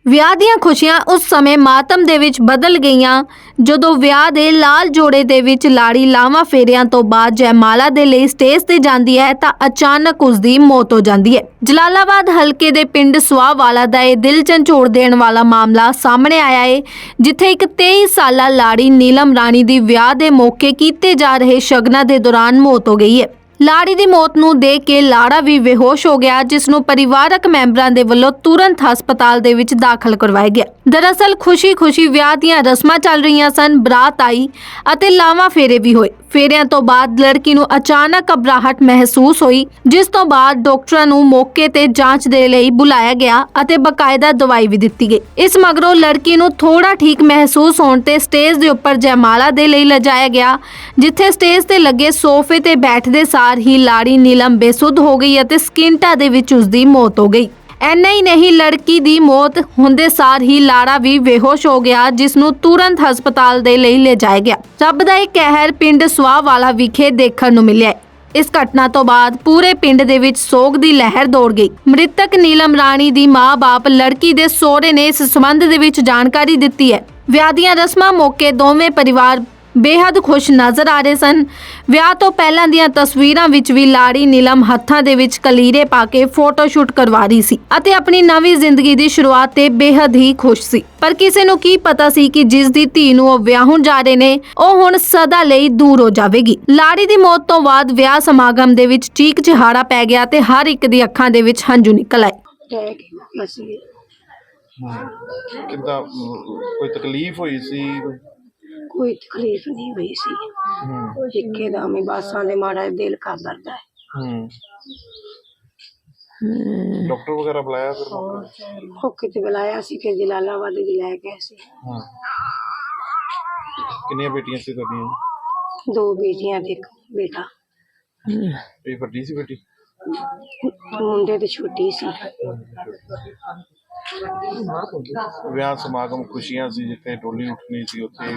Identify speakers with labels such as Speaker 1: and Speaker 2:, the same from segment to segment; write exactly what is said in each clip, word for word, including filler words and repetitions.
Speaker 1: ਵਿਆਹ ਦੀਆਂ ਖੁਸ਼ੀਆਂ ਉਸ ਸਮੇਂ ਮਾਤਮ ਦੇ ਵਿੱਚ ਬਦਲ ਗਈਆਂ ਜਦੋਂ ਵਿਆਹ ਦੇ ਲਾਲ ਜੋੜੇ ਦੇ ਵਿੱਚ ਲਾੜੀ ਲਾਵਾਂ ਫੇਰਿਆਂ ਤੋਂ ਬਾਅਦ ਜੈਮਾਲਾ ਦੇ ਲਈ ਸਟੇਜ ਤੇ ਜਾਂਦੀ ਹੈ ਤਾਂ ਅਚਾਨਕ ਉਸ ਦੀ ਮੌਤ ਹੋ ਜਾਂਦੀ ਹੈ। ਜਲਾਲਾਬਾਦ ਹਲਕੇ ਦੇ ਪਿੰਡ ਸੁਆਵਾਲਾ ਦਾ ਇਹ ਦਿਲ ਝੰਜੋੜ ਦੇਣ ਵਾਲਾ ਮਾਮਲਾ ਸਾਹਮਣੇ ਆਇਆ ਹੈ, ਜਿੱਥੇ ਇੱਕ ਤੇਈ ਸਾਲਾ ਲਾੜੀ ਨੀਲਮ ਰਾਣੀ ਦੀ ਵਿਆਹ ਦੇ ਮੌਕੇ ਕੀਤੇ ਜਾ ਰਹੇ ਸ਼ਗਨਾਂ ਦੇ ਦੌਰਾਨ ਮੌਤ ਹੋ ਗਈ ਹੈ। ਲਾੜੀ ਦੀ ਮੌਤ ਨੂੰ ਦੇਖ ਕੇ ਲਾੜਾ ਵੀ ਬੇਹੋਸ਼ ਹੋ ਗਿਆ, ਜਿਸ ਨੂੰ ਪਰਿਵਾਰਕ ਮੈਂਬਰਾਂ ਦੇ ਵੱਲੋਂ ਤੁਰੰਤ ਹਸਪਤਾਲ ਦੇ ਵਿੱਚ ਦਾਖਲ ਕਰਵਾਇਆ ਗਿਆ। ਦਰਅਸਲ ਖੁਸ਼ੀ-ਖੁਸ਼ੀ ਵਿਆਹ ਦੀਆਂ ਰਸਮਾਂ ਚੱਲ ਰਹੀਆਂ ਸਨ, ਬਰਾਤ ਆਈ ਅਤੇ ਲਾਵਾਂ ਫੇਰੇ ਵੀ ਹੋਏ। ਫੇਰਿਆਂ ਤੋਂ ਬਾਅਦ ਲੜਕੀ ਨੂੰ ਅਚਾਨਕ ਘਬਰਾਹਟ ਮਹਿਸੂਸ ਹੋਈ, ਜਿਸ ਤੋਂ ਬਾਅਦ ਡਾਕਟਰਾਂ ਨੂੰ ਮੌਕੇ ਤੇ ਜਾਂਚ ਦੇ ਲਈ ਬੁਲਾਇਆ ਗਿਆ ਅਤੇ ਬਕਾਇਦਾ ਦਵਾਈ ਵੀ ਦਿੱਤੀ ਗਈ। ਇਸ ਮਗਰੋਂ ਲੜਕੀ ਨੂੰ ਥੋੜਾ ਠੀਕ ਮਹਿਸੂਸ ਹੋਣ ਤੇ ਸਟੇਜ ਦੇ ਉੱਪਰ ਜੈਮਾਲਾ ਦੇ ਲਈ ਲਿਜਾਇਆ ਗਿਆ, ਜਿੱਥੇ ਸਟੇਜ ਤੇ ਲੱਗੇ ਸੋਫੇ ਤੇ ਬੈਠਦੇ ਸਾਰ ਹੀ ਲਾੜੀ ਨੀਲਮ ਬੇਸੁੱਧ ਹੋ ਗਈ ਅਤੇ ਸਕਿੰਟਾਂ ਦੇ ਵਿੱਚ ਉਸ ਦੀ ਮੌਤ ਹੋ ਗਈ। ਐਨਾ ਹੀ ਨਹੀਂ, ਲੜਕੀ ਦੀ ਮੌਤ ਹੁੰਦੇ ਸਾਰ ਹੀ ਲਾੜਾ ਵੀ ਬੇਹੋਸ਼ ਹੋ ਗਿਆ, ਜਿਸ ਨੂੰ ਤੁਰੰਤ ਹਸਪਤਾਲ ਦੇ ਲਈ ਲਿਜਾਇਆ ਗਿਆ। ਰੱਬ ਦਾ ਇਹ ਕਹਿਰ ਪਿੰਡ ਸੁਆਵਾਲਾ ਵਿਖੇ ਦੇਖਣ ਨੂੰ ਮਿਲਿਆ। ਇਸ ਘਟਨਾ ਤੋਂ ਬਾਅਦ ਪੂਰੇ ਪਿੰਡ ਦੇ ਵਿੱਚ ਸੋਗ ਦੀ ਲਹਿਰ ਦੌੜ ਗਈ। ਮ੍ਰਿਤਕ ਨੀਲਮ ਰਾਣੀ ਦੀ ਮਾਂ-ਬਾਪ ਲੜਕੀ ਦੇ ਸਹੁਰੇ ਨੇ ਇਸ ਸੰਬੰਧ ਦੇ ਵਿੱਚ ਜਾਣਕਾਰੀ ਦਿੱਤੀ ਹੈ। ਵਿਆਹ ਦੀਆਂ ਰਸਮਾਂ ਮੌਕੇ ਦੋਵੇਂ ਪਰਿਵਾਰ ਬੇहद ਖੁਸ਼ ਨਜ਼ਰ ਆ ਰਹੇ ਸਨ। ਵਿਆਹ ਤੋਂ ਪਹਿਲਾਂ ਦੀਆਂ ਤਸਵੀਰਾਂ ਵਿੱਚ ਵੀ ਲਾੜੀ ਨੀਲਮ ਹੱਥਾਂ ਦੇ ਵਿੱਚ ਕਲੀਰੇ ਪਾ ਕੇ ਫੋਟੋ ਸ਼ੂਟ ਕਰਵਾ ਰਹੀ ਸੀ ਅਤੇ ਆਪਣੀ ਨਵੀਂ ਜ਼ਿੰਦਗੀ ਦੀ ਸ਼ੁਰੂਆਤ ਤੇ ਬੇहद ਹੀ ਖੁਸ਼ ਸੀ। ਪਰ ਕਿਸੇ ਨੂੰ ਕੀ ਪਤਾ ਸੀ ਕਿ ਜਿਸ ਦੀ ਧੀ ਨੂੰ ਉਹ ਵਿਆਹੁਣ ਜਾ ਰਹੇ ਨੇ, ਉਹ ਹੁਣ ਸਦਾ ਲਈ ਦੂਰ ਹੋ ਜਾਵੇਗੀ। ਲਾੜੀ ਦੀ ਮੌਤ ਤੋਂ ਬਾਅਦ ਵਿਆਹ ਸਮਾਗਮ ਦੇ ਵਿੱਚ ਚੀਕ ਚਿਹਾੜਾ ਪੈ ਗਿਆ ਤੇ ਹਰ ਇੱਕ ਦੀ ਅੱਖਾਂ ਦੇ ਵਿੱਚ ਹੰਝੂ ਨਿਕਲ ਆਏ।
Speaker 2: ਕਿੱਦਾਂ ਕੋਈ ਤਕਲੀਫ ਹੋਈ ਸੀ?
Speaker 3: कोई तकलीफ नहीं हुई सी। एकदम ही बस आने माड़ा दिल कर दर्द है।
Speaker 2: डॉक्टर वगैरह बुलाया फिर?
Speaker 3: मौके ते बुलाया सी, फिर जलालाबाद ले गए सी।
Speaker 2: कितनी बेटियां सी तुहाडियां?
Speaker 3: दो बेटियां ते एक बेटा।
Speaker 2: ये बड़ी सी बेटी?
Speaker 3: मुंडे ते छोटी सी।
Speaker 2: ਵਿਆਹ ਸਮਾਗਮ ਖੁਸ਼ੀਆਂ ਸੀ, ਜਿੱਥੇ ਡੋਲੀ ਉੱਠਣੀ ਸੀ ਉੱਥੇ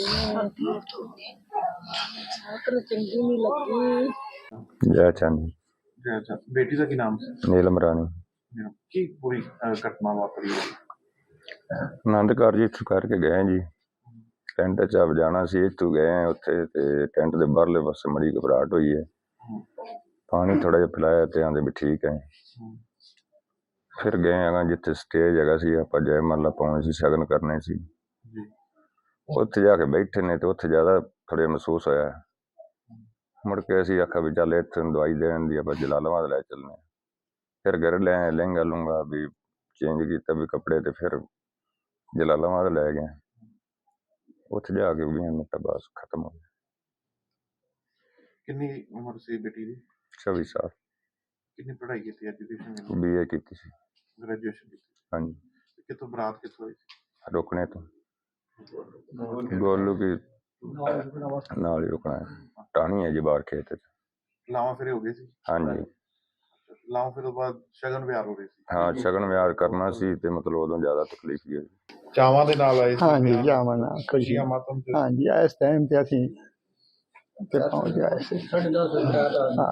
Speaker 4: ਜੈ ਚੰਦ।
Speaker 2: ਜੈ ਚੰਦ। ਬੇਟੀ ਦਾ ਕੀ ਨਾਮ ਸੀ?
Speaker 4: ਨੀਲਮ ਰਾਣੀ।
Speaker 2: ਕੀ ਪੂਰੀ ਘਟਨਾ ਵਾਪਰੀ ਹੈ?
Speaker 4: ਆਨੰਦ ਕਾਰਜ ਇੱਥੋਂ ਕਰਕੇ ਗਏ ਜੀ, ਟੈਂਟ 'ਚ ਆਪ ਜਾਣਾ ਸੀ, ਇੱਥੋਂ ਗਏ ਉੱਥੇ ਤੇ ਟੈਂਟ ਦੇ ਬਾਹਰਲੇ ਪਾਸੇ ਮੜੀ ਘਬਰਾਹਟ ਹੋਈ ਹੈ। ਪਾਣੀ ਥੋੜਾ ਜਿਹਾ ਪਿਲਾਇਆ ਤੇ ਆਂਦੇ ਵੀ ਠੀਕ ਹੈ। ਫਿਰ ਗਏ ਹੈਗਾ ਜਿੱਥੇ ਸਟੇਜ ਹੈਗਾ ਸੀ, ਆਪਾਂ ਜੈਮਾਲਾ ਪਾਉਣੀ ਸੀ, ਸ਼ਗਨ ਕਰਨੇ ਸੀ। ਉੱਥੇ ਜਾ ਕੇ ਬੈਠੇ ਨੇ ਤੇ ਉੱਥੇ ਜ਼ਿਆਦਾ ਥੋੜ੍ਹਾ ਮਹਿਸੂਸ ਹੋਇਆ। ਮੁੜ ਕੇ ਅਸੀਂ ਆਖਿਆ ਵੀ ਚੱਲ ਇੱਥੇ ਦਵਾਈ ਦੇਣ ਦੀ ਆਪਾਂ ਜਲਾਲਾਬਾਦ ਲੈ ਚੱਲਦੇ। ਫਿਰ ਘਰ ਲੈ ਆਏ, ਲਹਿੰਗਾ ਲੂੰਗਾ ਵੀ ਚੇਂਜ ਕੀਤਾ ਵੀ ਕੱਪੜੇ, ਤੇ ਫਿਰ ਜਲਾਲਾਬਾਦ ਲੈ ਗਏ। ਉੱਥੇ ਜਾ ਕੇ ਵੀਹ ਮਿੰਟ ਬਸ ਖਤਮ ਹੋ ਗਿਆ।
Speaker 2: ਕਿੰਨੀ ਉਮਰ ਸੀ ਬੇਟੀ ਦੀ?
Speaker 4: ਚੌਵੀ ਸਾਲ।
Speaker 2: ਕਿੰਨੀ ਪੜ੍ਹਾਈ ਕੀਤੀ? ਐਜੂਕੇਸ਼ਨ?
Speaker 4: ਬੀ ਏ ਕੀਤੀ ਸੀ।
Speaker 2: ਗ੍ਰੈਜੂਏਸ਼ਨ ਕੀਤੀ?
Speaker 4: ਹਾਂਜੀ।
Speaker 2: ਕਿੱਥੋਂ ਬਰਾਤ ਕਿੱਥੋਂ ਹੋਈ?
Speaker 4: ਰੁਕਣੇ ਤੋਂ ਗੋਲੂ ਕੀ ਨਾਲ ਹੀ ਰੁਕਣਾ ਹੈ, ਟਾਹਣੀ ਹੈ ਜੀ ਬਾਹਰ ਖੇਤ 'ਚ।
Speaker 2: ਲਾਵਾਂ ਫੇਰੇ ਹੋ ਗਏ ਸੀ?
Speaker 4: ਹਾਂਜੀ।
Speaker 2: ਲਾਵਾਂ ਫੇਰੇ ਤੋਂ ਬਾਅਦ ਸ਼ਗਨ ਵਿਆਹ ਹੋ ਗਏ ਸੀ?
Speaker 4: ਹਾਂ, ਸ਼ਗਨ ਵਿਆਹ ਕਰਨਾ ਸੀ ਤੇ ਮਤਲਬ ਉਦੋਂ ਜ਼ਿਆਦਾ ਤਕਲੀਫ ਹੀ ਹੋਈ।
Speaker 2: ਚਾਵਾਂ ਦੇ ਨਾਲ ਆਏ ਸੀ?
Speaker 5: ਹਾਂਜੀ, ਚਾਵਾਂ ਨਾਲ
Speaker 2: ਖੁਸ਼ੀਆਂ ਮਾਤਮ ਤੇ?
Speaker 5: ਹਾਂਜੀ, ਇਸ ਟਾਈਮ ਤੇ ਅਸੀਂ ਤੇ ਪਹੁੰਚ ਗਏ ਸੀ। ਹਾਂ,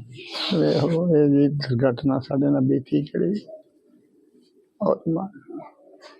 Speaker 5: ਵੇਖੋ ਇਹ ਜੀ ਦੁਰਘਟਨਾ ਸਾਡੇ ਨਾਲ ਬੀਤੀ ਕਿਹੜੀ ਬਹੁਤ ਮਾੜੀ।